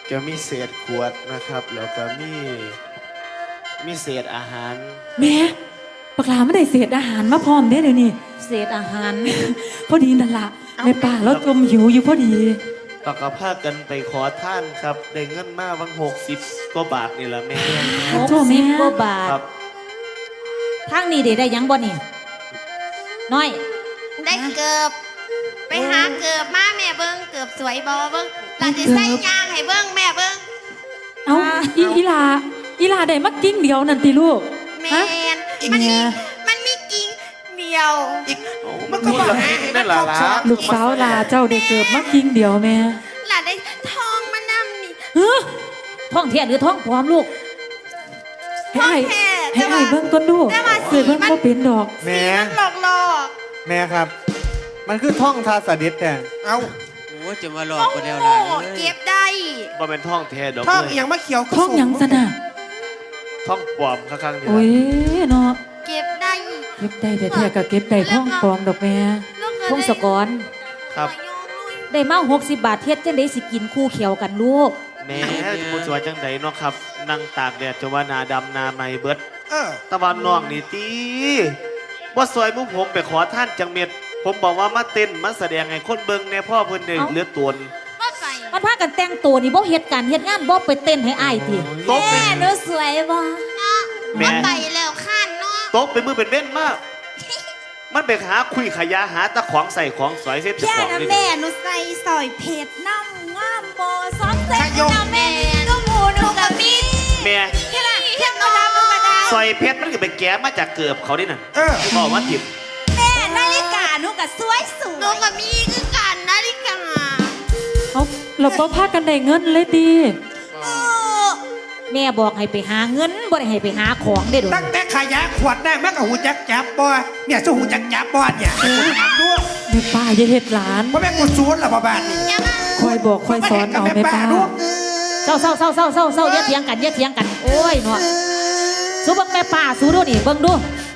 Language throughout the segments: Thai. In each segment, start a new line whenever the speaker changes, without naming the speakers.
ก็มีเศษขวดนะครับแล้วก็มีเศษอาหาร
แม่ปลาไม่ได้เศษอาหารมาพร้อมเด้เดี๋ยวนี้
เศษอาหาร
พอดีนั่นล่ะแม่ป้าเราจมหิวอยู่พอดี
แล้วก็พากันไปขอท่านครับได้เงินมาวัน60 กว่าบาทนี่แหละแม่
60 กว่าบาท
ครับ
ทางนี้ได้ยังบ่นี่น้อย
ได้เกือบไปหาเกือบมาแม่เบิ้งเกือบสวยบอเบิ้งหลานจะใส่ยางให้เบิ้งแม่เบิ้ง
เอ้าอีลาได้มากิ้งเดียวนั่นติลูก
แม
ฮะ
นมันมีกิ่งเดียว
มันก็บอกนั่นแหละล่ะ
ลูกสาวลาเจ้าได้เกิดมากิ้งเดียวแม่
หลานได้ทองมานำนี่
เฮ้อ
ท้องเทียหรือท้องปลอมลูก
ให้ไอ้เบิ่งต้นดูเคยเบิ่งบ่เป็นดอก
แม่
หลอกหลอก
แม่ครับ มันคือท่องทาสดิษแต่
เอ้า
โอ้จะมาหลอก
โอ้
คนเดียว
โห
ล่ะ
เก็บได้
บ่เป็นท่องแท้ดอก
ท่อง
เลย
อหย่างมะเขียว
ท้องหยังซะน่ะ
ท่องปลอมข้างๆนี่
โอ้ย
ล่ะ
เนาะ
เก็บได้
เก็บได้แต่แท้ก็เก็บได้ท้องปลอมดอกแม่
พงศกร
ครับ
ได้มา60 บาทเฮ็ดจังได๋สิกินคู่เขียวกันลูก
แม่ผู้สวยจังไดเนาะครับนั่งตากแดดจะว่าหนาดำหนาไหมเบิด
เออ
ตะวันน้องนี่ตีว่าซอยมุผมไปขอท่านจังเม็ด ผมบอกว่ามาเต้นมาแสดงให้คนเบิ่งในพ่อเพิ่นได้เลือดตน
ว่าใส่
มันพากันแต่งตัวนี่บ่เฮ็ดการเฮ็ดงานบ่ไปเต้นให้อ้ายติ
โต๊ะเป็น
หนูสวยบอเนาะ
แม่
ว่าไปแล้วข้านเนาะ
โต๊ะเป็นมือเป็นเว้นมาก มันไปหาคุยขยะหาตะของใส่ของสวยเส้นจะ
แค่
ของ
นะ
นี่
แม่หนูใส่สอยเพชรน้ำงามโบซ้อมเต้นนะแม่ก็หมูหนูกับมี
แม่
แค่ละแค่มาดามมาดาม
ซอยเพชรมันก็ไปแก้มาจากเกือบเขาดิน่ะ
เออ
บอกว่าทิม
แม่นาฬิกาหนูกับสวยสวยหนูกับมีคือกันนาฬิกา
เอาเราบ่พากันได้เงินเลยติ
แม่บอกให้ไปหาเงินบ่ได้ให้ไปหาของเด้อดู
ตั้งแต่ขายะขวดได้มันก็หูจักจับบ่เนี่ยสู้หูจักจับบ่เนี่ยถามด้วย
แม่ป้าอย่าเฮ็ดหลาน
ว่าแม่กูซูนหรอบ่บ้านนี่
คอยบอกคอยสอนเอาแม่ป้า
เศร้าอย่าเถียงกันอย่าเถียงกันโอ้ยเนาะสู้เบิ่งแม่ป้าสู้ดูนี่เบิ่งดู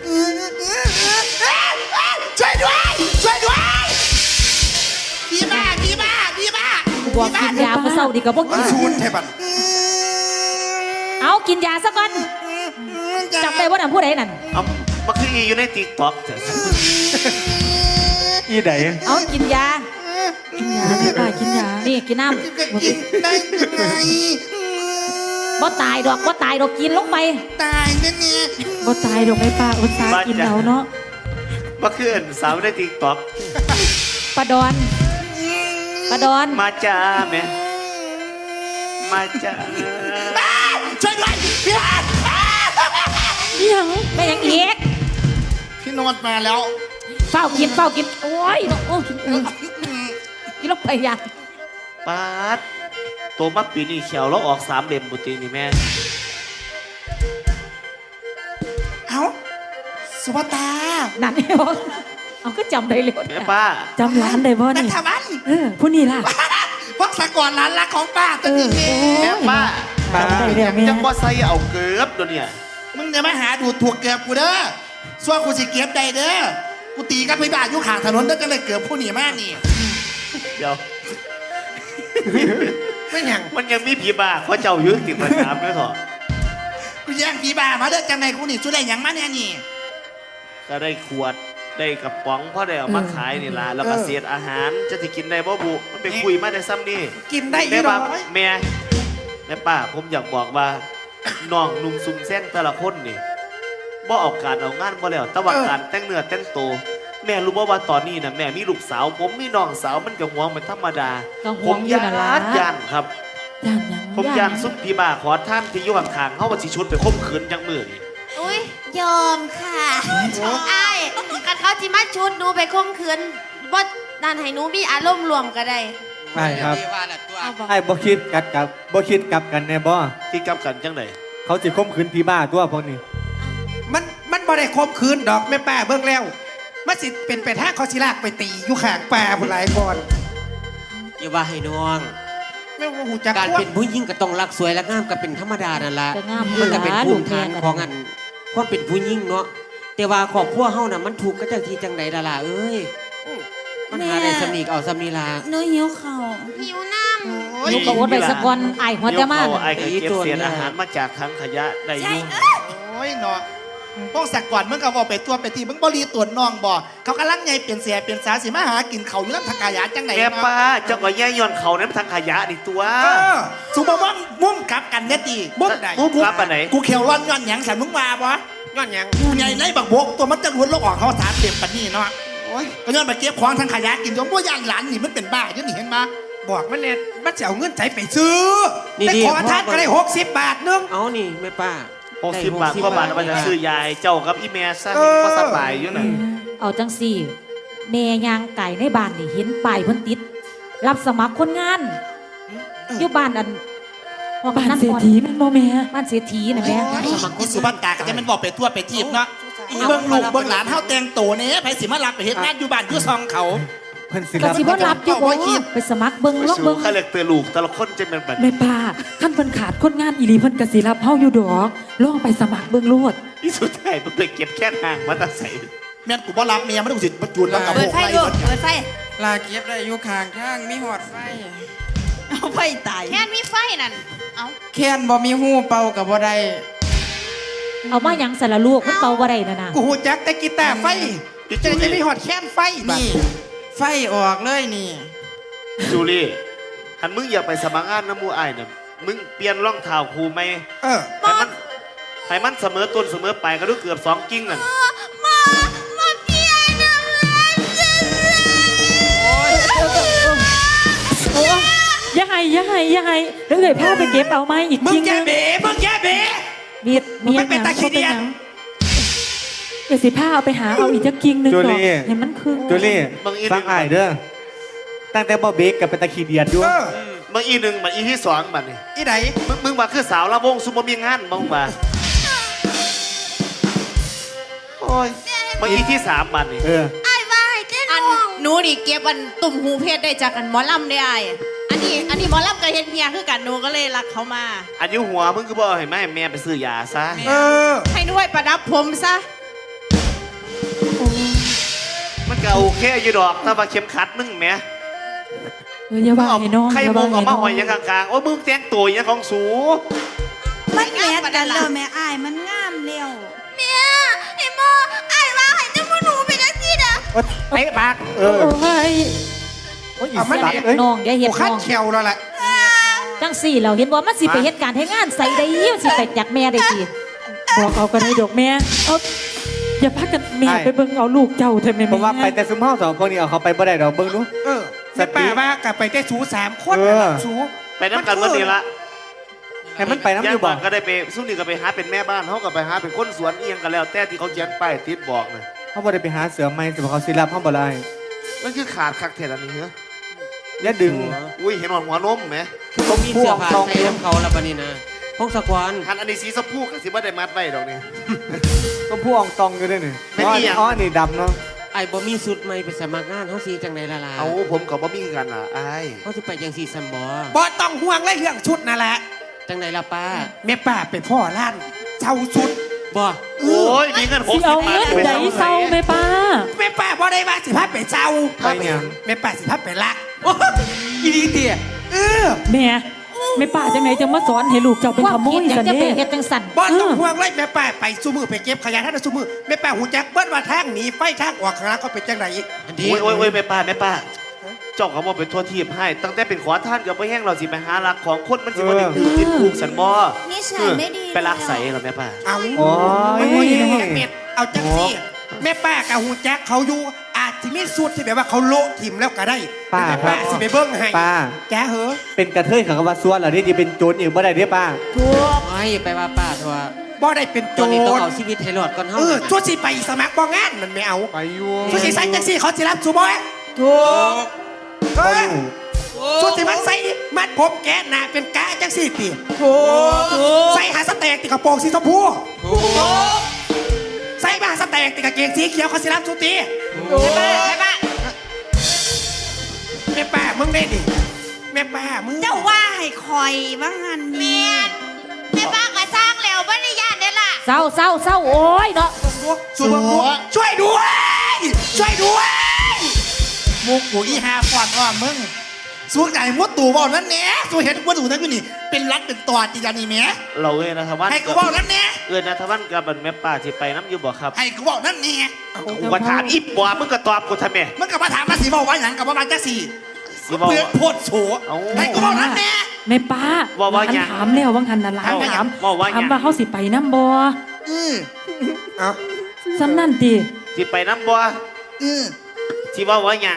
ช่วยด้วยช่วยด้วยดีมากดีมากดีมาก
กูบอกกินยาเมื่อเช้านี่ก็บ่กิน
ซูนเทบัน
เอากินยาซะก่อนจำได้ว่านั่นผู้ใดนั่น
เอามาคืออีอยู่ในติ๊กต็อกจ้ะ
อีได
เอากินยา
กินยาแม่ป้ากินยา
นี่กินน้
กินได้ยังไง
ำบ่ตายดอกกินลงไป
ตายเนี่ยเนี่ย
บ่ตายดอกแม่ป้าอุตส่าห์กินเอาเนาะ
มาคืออันสาวในติ๊กต็อก
ปลาดอน
มาจ้าแม่มาจ้า
ช่วยด้วยพี่ฮัน
อิหยัง
ไม่ยังอีก
พี่โนดมาแล้ว
เฝ้ากินโอ้ยเนาะโอ้กินกินลงไปยา
ปาดโตมาปีนี้เขียวแล้วออก3 เล่มบุตรีนี่แม่
เอ้าสุภตา
นั่นเองเอาก็จำได้เลย
แม่ป้า
จำร้านได้บ่
นั
นี่
ทวัน
ผู้นี้ล่ะ
พวกสกรร้านรักของป้าตัวนี้เอง
แม่ป้า
จำได้แล้วแม่
จังบ่ใส่เอาเกือบตัวเนี่ย
มึงอย่ามาหาดูถูกเกือบกูเด้อส่วนกูสิเก็บได้เด้อกูตีกันไปบ้านอยู่ข้างถนนแล้วก็เลยเกือบผู้หนีมากนี่
เดี๋ยว
ไม่หยัง
มันยังมีผีบ้าเขาเจ้ายึดติดประจำด้วยเถอะ
กูแย่งผีบ้ามาเด้อจังไงกูนี่สุดได้หยังมาเนี่ยนี่
ก็ได้ขวดได้กระป๋องพ่อได้เอามาขายนี่ล่ะแล้วก็เศษอาหารจะที่กินได้บ่บุมันไปคุยมาได้ซ้ำนี่
กินได้อี
แม่
หร
ป้า
อ
แม่ป้าผมอยากบอกว่า น้องนุ่มซุ่มแซงแต่ละคนนี่บ่เอาการเอางานบ่แล้วแต่ว่าการแต่งเนื้อแต่งตัวแม่รู้บ่ว่าตอนนี้นะแม่มีลูกสาว ผมมีน้องสาวมันก็ห่วงเป็นธรรมดา
ก็
ผ
ห่ว
ม
งอยู่
ยา
นั่นล่ะ
นย่านครับ
ย่านหยัง
ผมยานซุปพี่บ้าขอท่านที่อยู่ข้างๆเขาว่าสิชุดไปข่มขืนจังมือนี่
อุ้ยยอมค่ะไอ้กันเขาจิมาชุดหนูไปข่มขืนว่านั่นให้หนูมีอารมณ์รวมก็ได้
ใช่ครับ
เดี๋ยวว่าละตัว
ไอ้บ่คิดกลับกันแน่บ่
ที่กำกันจังได
เขาสิข่มขืนพี่บ้าตัวพวกนี้
มันบ่ได้คมคืนดอกแม่ป้าเบิ่งแล้วมันสิเป็นไปทางเขาสิลากไปตีอยู่ข้างป่าผู้หลายก่อน
อย่าว่าให้น้อง
ไม่ว่าหูจัก
การ
ว่า
เป็นผู้หญิงก็ต้องรักสวยและงามก็เป็นธรรมดานั่นละ
ก็งาม
มันก็เป็น
อยู่
ภู
ล่ะ
มิฐาน
ลูกแม่ก็
ของอันความเป็นผู้หญิงเนาะแต่ว่าครอบครัวเฮาน่ะมันถูกข์ก็จังที่จังใดล่ะล่ะเอ้ยมันหาได้สำนีกเอาสำนีลา
หนูหิวข้าวหิวน้ำ
ลูกก็อดไว้สักวันไอ้ายหัว
เดี๋
จะ
ยว
มา
เขาไอ้ก็เก็บเศษอาหารมาจากถังขยะได้อยู่
โอ้ยเนาะพวกสักก่อนมึงก็บอกไปตัวไปทีมึงบริตัวน้องบ่เขากำลังไงเปลี่ยนเสียเปลี่ยนสาสิมาหากินเขาอยู่น้ำทางกายาจังไหน
แม่ป้าเจ้าก็แย่ย้อนเขานั้นถังขยะนี่ตัว
สุบว่างมุ่งกลับกันเนี่ยตีมุ่งไหน
มุ่งกลับอันไหน
กูเขียวร้อนย้อนหยังสันมึงมาบ่ย้อนหยังไงในบักบกตัวมันจะล้วนโลกออกเขาถามเต็มปานนี่เนาะโอ้ยก็ย้อนไปเก็บของทางขยะกินจนพวกย่านหลานนี่มันเป็นบ้าอยู่นี่เห็นมาบอกมันเนี่ยมันจะเอาเงินใจไปซื้อไปขอทานก็ได้60 บาทนึง
เอานี่แม่ป้า
60 บาทก็บาทมันจะซื้อยายเจ้ากับอีแม่ซะก็สบายอยู่น่ะ
เอาจังสี่แม่ยางไก่ในบ้านนี่เห็นป้ายเพิ่นติด รับสมัครคนงานอยู่บ้านอันพอ
บ้าน
นั้น
เศรษฐีแมันบ่แม่
บ้านเศรษฐีน่ะแม่
อีสุบันตาก็จะมันบอกไปทั่วไปทีบเนาะอีเบิ่งลูกเบิ่งหลานเฮาแต่งโตเนี่ยไผสิมารับไปเฮ็ดงานอยู่บ้านอยู่ซองเขา
เพิ่นสิ
ก็
รับ
สิบ่รับอยู่บ่ไปสมัครเบิ่งลอง
สู้
เบิ่ง
ข้าเล็กเตอลูกแต่ละคนจะเป็นแบบ
แม่ป้าคันเพิ่นขาดคนงานอีหลีเพิ่นก็สิรับเฮาอยู่ดอกลองไปสมัครเบิ่งโลด
ที่สุดท้ายมันไปเก็บแค่ทางมาตัดใส่
แม่นกูบ่รับเมียมันต้องสิประจุนแล้วกับ
เปิดไฟลูกเปิดไฟ
ลาเก็บได้อยู่ข้างทางมีหอดไฟ
เอาไฟตายแค่มีไฟนั่นเอา
แค้นบ่มีหูเป่ากับบ่ได้
เอามาหยังสารลูกมันเป่าบ่ได้น่ะนะ
กูหูจักแต่กีตาร์ไฟจะมีหอดแค้นไฟนี่
ไฟออกเลยนี่
จูลี่หันมึงอยากไปสมัครงานน้ำมูไอ้ายเนี่ยมึงเปลี่ยนรองเท้าครูไหมให้มันเสมอต้นเสมอไปก็ดูเกือบ2 กิ้งนั่น
มาเพียนนะ
อย่าให้เดี๋ยวเอ่ยพาไปเก็บเอาไม้อีก
มึ
จริ
ง
ง
แย่
นะ
เบ๋มึงแย่เบ๋
มีดมี
มึงเป็นตาขี้เดียด
เดี๋ยวสิพาเอาไปหาเอาอีกจักกิ่งหนึง
จู
ดอก
ลี่
เห็นมันคือ
จูลี่ฟังอ้ายเด้อตั้งแต่บ่เบรกกับเป็นตะขี้เดียดอยู่
มึงอีหนึ่งมันอีที่2บัดนี่
อีไหน
มึงมาคือสาวละวงซุปเปอร์มีงานมึงมาโอ้ยมึงอีที่3บัดนี่
เออ
ไอ้ว่าให้เต้นอันหนูนี่เก็บอันตุ่มหูเพชรได้จากอันหมอลำได้ไอ้อันนี้หมอลำกับเฮ็ดเมียคือกันหนูก็เลยรักเขามา
อันอยุหัวมึงก็บอกให้แม่ไปซื้อยาซะ
ให้หนูไว้ประดับผมซะ
มันก็โอเคอยู่ดอกถ้าว่าเข็มขัดมึงแหม
อย่าว่าให้น้อง
ใคร
อย่า
โม
ว่าง
ออก
ให้
มา
น้อง
หอยยังกลางๆโอ้ยมึงแต่งตัวอย่างของสู
มันแมทกันแล้วแม่อายมันงามเร็ว
เมียไอ้โมไอ้ว่าให้เจ้าหนูเป็นจังซี่เด้อ
ไปปาก
เออ
โอ้ย
โอ้ยอีสัตว์เอ้ย
น้องอย่าเฮ็ด
กูคัด
น้อง
เขียวแล้วแหละ
จังสี่เราเห็นว่ามันสิไปเฮ็ดการเฮ็ดงานใส่ได้ยิ่งสิไปจากแม่ได้สิ
บอกเอากันให้ดอกแม่เอาอย่าพากันแม่ไปเบิ่งเอาลูกเจ้าเถอะแม่
ผมว่าไปแต่ซุมเฮา2คนนี่เอาเขาไปบ่ได้ดอกเบิ่งดู
สป่าว่ากลับไปได้สู3 คน
เออ
สู
ไปน้ำกันวันนี้ละ
ให้มันไปน้ำ
ย่า
อง ยู่
บ
บ่
อกก็ได้ไปสู้นี่ก็ไปหาเป็นแม่บ้านเขาก็ไปหาเป็นคนสวนเอียงกันแล้ว แต่ที่เขาเขียนป้ายติดบอกนะ
เฮาบ่ได้ไปหาเสือใหม่สิบ่เขาสิรับเฮาบ่ได้
มันคือขาดคักเทศอันนี้เหรอ
อย่าดึง
อุ้ยเห็นหัวนมไหม
เขามีเสื้อผ้าใส่น้ำเขาแล้วบัดนี้นะพงศกร
หันอันนี้สีสะพูกับสีบ่ได้มัดไว้ดอกนี่
ก็ผู้อองตองอยู่ด้วยนี่
ไม่มีอ่ะ
อ๋อนี่ดำเนาะ
ไอ้บ่มีสุดใหม่ไปสมัครงานเฮาสิจังไดล่ะล่ะ
เอาผมกับบ่มีกันล่ะอ้าย
เฮาสิไปจังซี่ซัมบ่
บ่ต้องห่วงเลยเรื่องชุดนั่นแหละ
จังไดล่ะป้า
แม่ป้าไปพ่อร้านเช่าชุด
บ่
โอ้ยมีเงิน
สิ
60
เอา
บาท
เงินใดเศร้าแม่ป้า
แม่ป้าบ่ได้ว่าสิพาไปเช่า
ไปหยัง
แม่ป้าสิพาไปลัก
อีดีเตี้ย
แม่ป้าจังไหนจะมาสอนให้ลูกเจ้าเป็น
ความ
ขโม
คิด
ย
อยา
สั
ก
น
จะไป
เด้
เฮ็ดจังสั่น
บ่ต้องห่วงเลยแม่ป้าไปสู้มือไปเก็บขยะท่านสู้มือแม่ป้าหูจักเบิ้ว่าทางหนีไฟทางออกข้างหน้าเขาเป็นจังไหน
อันนี้
โอ้ยแม่ป้าเจ้าเขาบอกเป็นทั่วทีบให้ตั้งแต่เป็นขอท่านกับไปแห้งเราสิไปหารักของคนมันสิบ่ได้ถือติดผูกสันบ่
นิสัยไม่ดี
ไปรักใส่เหรอแม่ป้า
เอา
โอ้
มันบ่
ย
ดีแค่เป็ดเอาจังสิแม่ป้ากับหูจักเขาอยู่อาจสิมีสูตรที่แบบว่าเขาโละถิ่มแล้วก็ได้แม่ป้าสิไปเบิ้งให้
ป้า
แกเหอะ
เป็นกระเทยเขาก็ว่าซัวเหรอนี่จะเป็นโจรอีกบ่ได้เด้ป้า
ไม่ไปว่าป้าเถอะ
บ่ได้เป็นโจ
ตัวนี้ต้อง
ร
เอาชีวิตให้รอดก่อนเฮา
ชั่วสิไปสมัครบ่งานมันไม่เอา
ไปอยู่
ชั่วสิใส่จังสิเขาสิรับสูบ่ถูกชั่วสิมันใส่มัดผมแกะหน้าเป็นกะจังสิติถูกใส่หาสแต็กติกระโปรงสีชมพูใส่มาหาสแต็กติกระเกงสีเขียวเขาสิรับสูตีใช่ป่ะแม่ป้ามึงได้ดิแม่ป้ามึง
เจ้าว่าให้คอยว่างาน
เมี
นี้
ยนแม่ป้าก็สร้างแล้วบ่ได้ญาติเด้อล่ะ
เศร้าโอ้ยเนาะ
ช่วยด้วยมุกกูอีหาฟอนอ้อมมึงสู้ไก่มดตู่บอกนั่นแหน่สู้เห็นมดตู่นั่นกูนี่เป็นรัดเป็นตอดจีจันนี่แหม่
เราเอ้ยนะทวัน
ให้กูบอกนั่นแหน่
เอ้ยนะทวันกับแม่ป้าสิไปน้ำอยู่บ่ครับ
ให้กูบอกนั่นแหน่
กูก็ถามอีบ่มึงก็ตอบกูทำไม
มันก็มาถามมาสีบอกว่าอย่างกับว่ามาจักสี่
สิบอก
เปลือกโพดโฉ
เอา
ให้กูบอกนั่นแหน่
แม่ป้า
ว่าหยัง
ถามแล้วว่างหันน่ะหลาน
เอา
ถาม
ว่าหยัง
ถามว่าเขาสิไปน้ำบ่
เอา
ซ้ำนั่นติ
สิไปน้ำบ่
อือ
สิว่าหยัง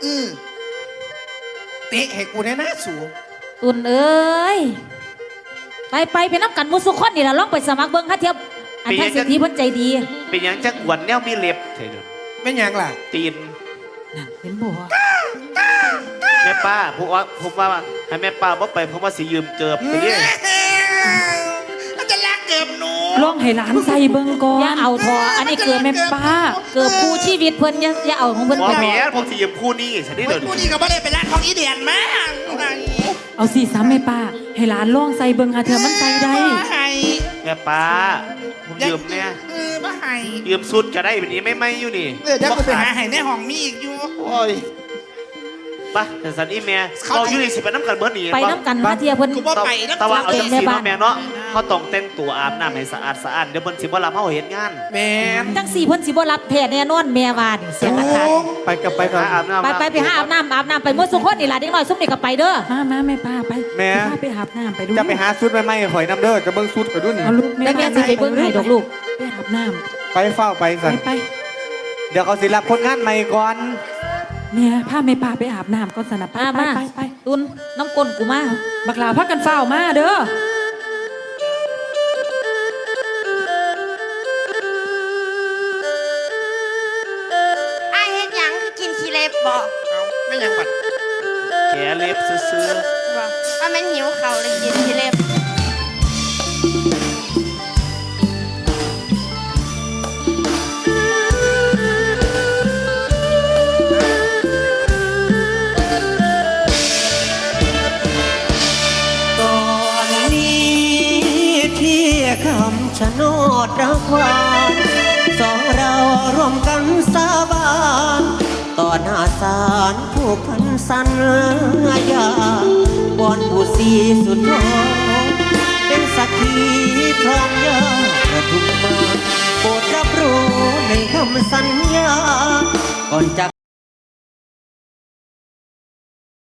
เตะให้กูแน่นะสู
ตุนเอ้ยไปน้ำกันหมุสุคนนี่ล่ะลองไปสมัครเบิ่งฮะเทียบอันท่านเศรษฐีเพิ่นใจดี
เป็นหยังจักหวนแนวมีเล็บเถิด
เป็นยังล่ะ
ตีน
นั่นเห็นบ่
แม่ป้าผมว่าให้แม่ป้าบ่ไปผมว่าสิยืมเกือบสิเด้
มันจะลากเกือบหนู
ลองให้หลานใส่เบิ่งก่อน
อย่าเอาทออันนี้เกิด
แม่ป้า
เกิดคู่ชีวิตเพิ่นอย่าเอาของเพิ่น
บ่
ไป
แม่ผมสิยืมคู่นี้สิเด้
เฮ้
เดี๋
ย
ยว
กู
นี้
นี่ก็ไม่ได้ไปร้านของอีเดียนมา
เอาสิซ้ำแม่ป้า ให้หลานลองใส่เบิ่งหาเทื่อมันใส่ได้
ให้
แม่ป้าผมยืมเนี่ย
มาให้
ยืมสุดก็ได้แบบนี้ไม่อยู่นี่
เดี๋ยวกูไปหาให้ในห้องมีอีกอยู่
โอ้ยไปแต่สันอีแม่เราอยู่นี่สิไปน้ำกันเบิดนี่
ไปน้ำกันฮะเทียเพิ่น
กูบ่ไปนะ
แต่ว่าเอาจังสี
แม่บ้า
เนาะ
น
แม่เนาะเขาต้องแต่งตัวอาบน้ำให้สะอาดเดี๋ยวเพิ่นสิบ่รับเฮาเฮ็ดงาน
แม่น
จังสี่เพิ่นสิบ่รับแท้แน่นอนแม่ว่านี่เสียราคา
ไปกับไปก่อน
หาอาบน้ำ
ไปหาอาบน้ำไปหมดสุคนนี่ล่ะเด็กน้อยซุมนี่ก็ไปเด้อ
มาแม่ป้าไป
แม่
ป้าไปอาบน้ำไปดู
จะไปหาชุดใหม่ๆข่อยน้ำเด้อจะเบิ่งชุดข่อยดูนี่
เอาลูก
แล้วแม่สิไปเบิ่งให้ดอกลูก
ไปอาบน้
ไปเฝ้าไป
ำ
สัน
ไป
เดี๋ยวเขาสิรับคนงานใหม่ก่อน
แม่พาแม่ป้าไปอาบน้ำก่อนสนะไป
มา
ไป
ตุนน้ำก้นกูมา
บักลาพักกันเฝ้ามาเด้อ
ไอ้ายเฮ็ดหยังคือกินขี้เล็บบ่
เอาไม่ยังบัด
แกเล็บซื้อ
บ่ว่าแม่นหิวเขาวเลยกินขี้เล็บ
ก่อนนี้ที่คำชะโนดรักหวานสองเราร่วมกันสาบานต่อหน้าศาลผู้พันสัญญาบอนผู้สีสุดท